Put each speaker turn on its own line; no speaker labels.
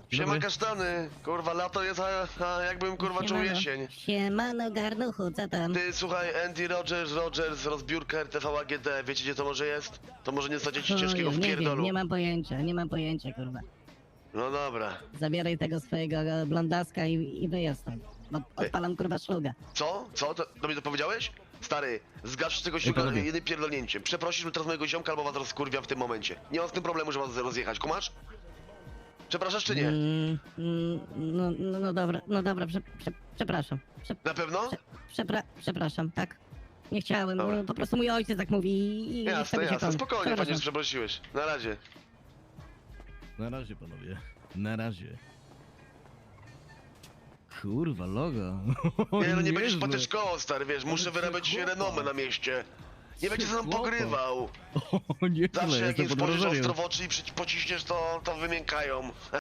Siema
dobry.
kasztany, kurwa lato jest, a jakbym kurwa czuł jesień.
Siemano garnuchu, co tam?
Ty słuchaj, Andy Rogers, rozbiórka RTV AGD, wiecie gdzie to może jest? To może nie stadziecie ciężkiego w
nie wiem,
pierdolu.
nie mam pojęcia, kurwa.
No dobra.
Zabieraj tego swojego blondaska i wyjedź stąd. Bo odpalam kurwa szluga.
Co? Co? Do mnie to powiedziałeś? Stary, zgasz tego siłka
panowie.
jednym pierdolnięciem. Przeprosisz mi teraz mojego ziomka albo was rozkurwia w tym momencie. Nie mam z tym problemu, że was rozjechać, kumasz? Przepraszasz czy nie?
No dobra, przepraszam.
Na pewno?
Przepraszam, tak. Nie chciałem,
Dobra.
po prostu mój ojciec tak mówi i
Jasne,
wtedy się
jasne,
kon-
spokojnie,
Przepraszam.
panie, że przeprosiłeś. Na razie.
Na razie, panowie. Na razie. Kurwa, logo.
Nie no, nie będziesz
Niezłe.
patyczkował, stary, wiesz, muszę
Ale
wyrabiać
chłopak.
renomę na mieście. Nie będzie ze mną
Chłopak.
pogrywał.
O, nie,
Zawsze jak
jestem
im
pod
spojrzysz
wrażeniem.
ostro w oczy i pociśniesz, to wymiękają.